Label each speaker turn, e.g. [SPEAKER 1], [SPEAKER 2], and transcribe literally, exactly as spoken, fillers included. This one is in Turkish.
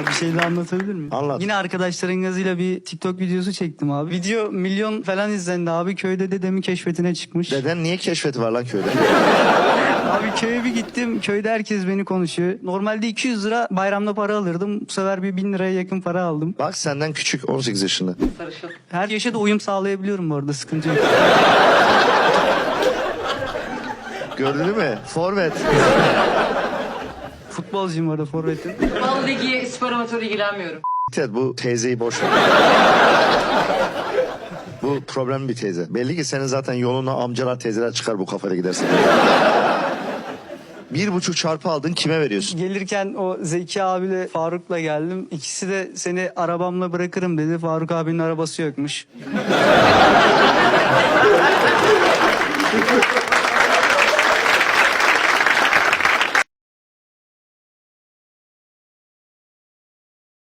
[SPEAKER 1] Bir şey daha anlatabilir miyim?
[SPEAKER 2] Anlat.
[SPEAKER 1] Yine arkadaşların gazıyla bir TikTok videosu çektim abi. Video milyon falan izlendi abi. Köyde dedemi keşfetine çıkmış.
[SPEAKER 2] Deden niye keşfeti var lan köyde?
[SPEAKER 1] Abi köye bir gittim. Köyde herkes beni konuşuyor. Normalde iki yüz lira bayramda para alırdım. Bu sefer bir bin liraya yakın para aldım.
[SPEAKER 2] Bak senden küçük on sekiz yaşında.
[SPEAKER 1] Her yaşa da uyum sağlayabiliyorum bu arada. Sıkıntı yok.
[SPEAKER 2] Gördün mü? Forvet.
[SPEAKER 1] Futbolcuyum orada, forvetim.
[SPEAKER 3] Futbol ligi, spor amatörü ilgilenmiyorum.
[SPEAKER 2] Evet, bu teyzeyi boş ver. Bu problem bir teyze. Belli ki senin zaten yoluna amcalar teyzeler çıkar bu kafayla gidersin. Bir buçuk çarpı aldın, kime veriyorsun?
[SPEAKER 1] Gelirken o Zeki abiyle Faruk'la geldim. İkisi de seni arabamla bırakırım dedi. Faruk abinin arabası yokmuş.